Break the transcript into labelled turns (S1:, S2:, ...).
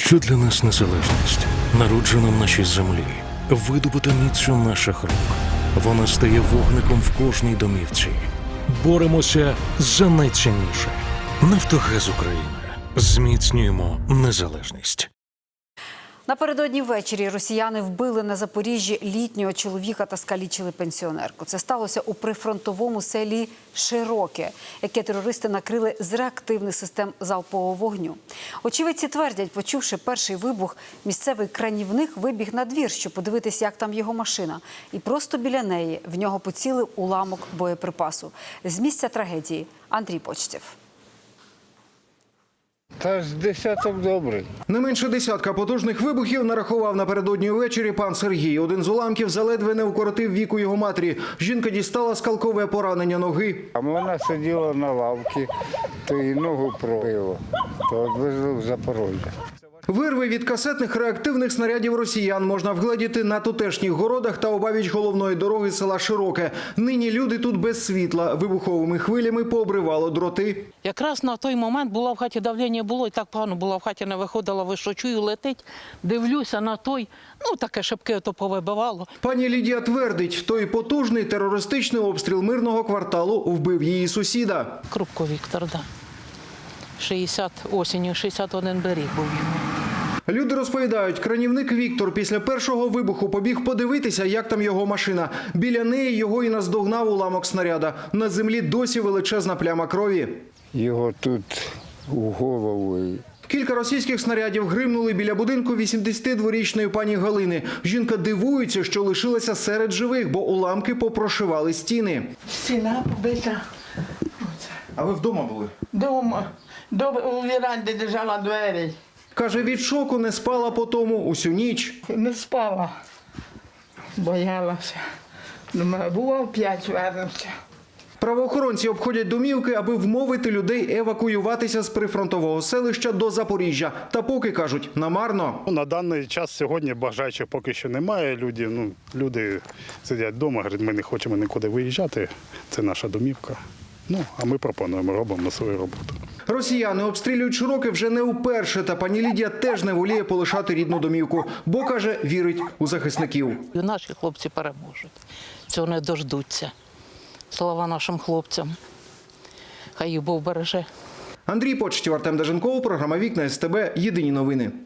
S1: Що для нас незалежність? Народжена в нашій землі, видобута міцю наших рук. Вона стає вогником в кожній домівці. Боремося за найцінніше. Нафтогаз України. Зміцнюємо незалежність.
S2: Напередодні ввечері росіяни вбили на Запоріжжі літнього чоловіка та скалічили пенсіонерку. Це сталося у прифронтовому селі Широке, яке терористи накрили з реактивних систем залпового вогню. Очевидці твердять, почувши перший вибух, місцевий кранівник вибіг на двір, щоб подивитися, як там його машина. І просто біля неї в нього поцілив уламок боєприпасу. З місця трагедії Андрій Почтєв.
S3: Та ж десяток добрий.
S4: Не менше десятка потужних вибухів нарахував напередодні ввечері пан Сергій. Один з уламків заледве не вкоротив віку його матері. Жінка дістала скалкове поранення ноги.
S3: А вона сиділа на лавці, то їй ногу пробило, то відвезли в Запорожжя.
S4: Вирви від касетних реактивних снарядів росіян можна вгледіти на тутешніх городах та обабіч головної дороги села Широке. Нині люди тут без світла. Вибуховими хвилями пообривало дроти.
S5: Якраз на той момент була в хаті давлення, було і так погано була в хаті, не виходила, вищо чую, летить, дивлюся на той, таке шибки ото повибивало.
S4: Пані Лідія твердить, той потужний терористичний обстріл мирного кварталу вбив її сусіда.
S5: Крупко Віктор, да. Осінню 61 беріг був йому.
S4: Люди розповідають, кранівник Віктор після першого вибуху побіг подивитися, як там його машина. Біля неї його і наздогнав уламок снаряда. На землі досі величезна пляма крові.
S3: Його тут у голову.
S4: Кілька російських снарядів гримнули біля будинку 82-річної пані Галини. Жінка дивується, що лишилася серед живих, бо уламки попрошивали стіни.
S6: Стіна побита.
S4: А ви вдома були?
S6: Дома. У віранді держала двері.
S4: Каже, від шоку не спала по тому усю ніч.
S6: Не спала. Боялася. Думаю, бував 5 вернемося.
S4: Правоохоронці обходять домівки, аби вмовити людей евакуюватися з прифронтового селища до Запоріжжя. Та поки, кажуть, намарно.
S7: На даний час сьогодні бажаючих поки що немає. Люди сидять вдома, говорять, ми не хочемо нікуди виїжджати, це наша домівка. А ми пропонуємо, робимо свою роботу.
S4: Росіяни обстрілюють Широке вже не вперше, та пані Лідія теж не воліє полишати рідну домівку, бо, каже, вірить у захисників.
S5: І наші хлопці переможуть, цього не дождуться. Слава нашим хлопцям, хай їх Бог береже.
S4: Андрій Почтєв, Артем Даженков, програма «Вікна СТБ», єдині новини.